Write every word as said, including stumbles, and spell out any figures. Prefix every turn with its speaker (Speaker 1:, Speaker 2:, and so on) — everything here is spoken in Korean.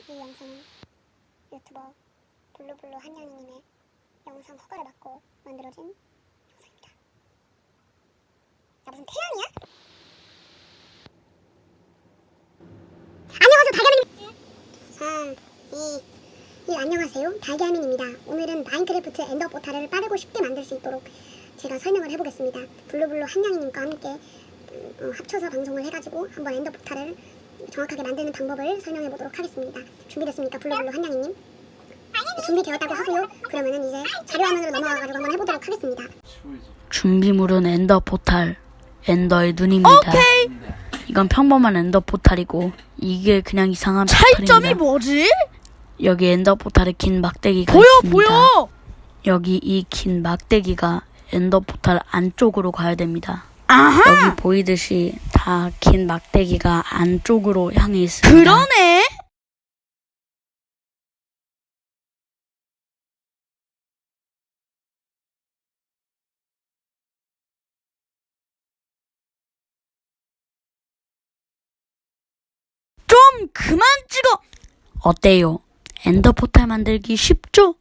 Speaker 1: 이 영상은 유튜버 블루블루 한양이님의 영상 허가를 받고 만들어진 영상입니다. 나 무슨 태양이야? 안녕하세요, 달걀맨입니다. 삼, 이, 일. 안녕하세요, 달걀맨입니다. 오늘은 마인크래프트 엔더 포탈을 빠르고 쉽게 만들 수 있도록 제가 설명을 해보겠습니다. 블루블루 한양이님과 함께 어, 합쳐서 방송을 해가지고 한번 엔더 포탈을 정확하게 만드는 방법을 설명해보도록 하겠습니다. 준비됐습니까, 블루블루 한양이님? 준비되었다고 하고요. 그러면은 이제 자료화면으로 넘어가가지고 한번 해보도록 하겠습니다.
Speaker 2: 준비물은 엔더 포탈, 엔더의 눈입니다.
Speaker 3: 오케이.
Speaker 2: 이건 평범한 엔더 포탈이고 이게 그냥 이상한
Speaker 3: 차이점이
Speaker 2: 포탈입니다.
Speaker 3: 뭐지?
Speaker 2: 여기 엔더 포탈에 긴 막대기가
Speaker 3: 보여
Speaker 2: 있습니다.
Speaker 3: 보여.
Speaker 2: 여기 이 긴 막대기가 엔더 포탈 안쪽으로 가야 됩니다.
Speaker 3: 아하.
Speaker 2: 여기 보이듯이 다 긴 막대기가 안쪽으로 향해 있습니다.
Speaker 3: 그러네. 좀 그만 찍어.
Speaker 2: 어때요? 엔더 포탈 만들기 쉽죠?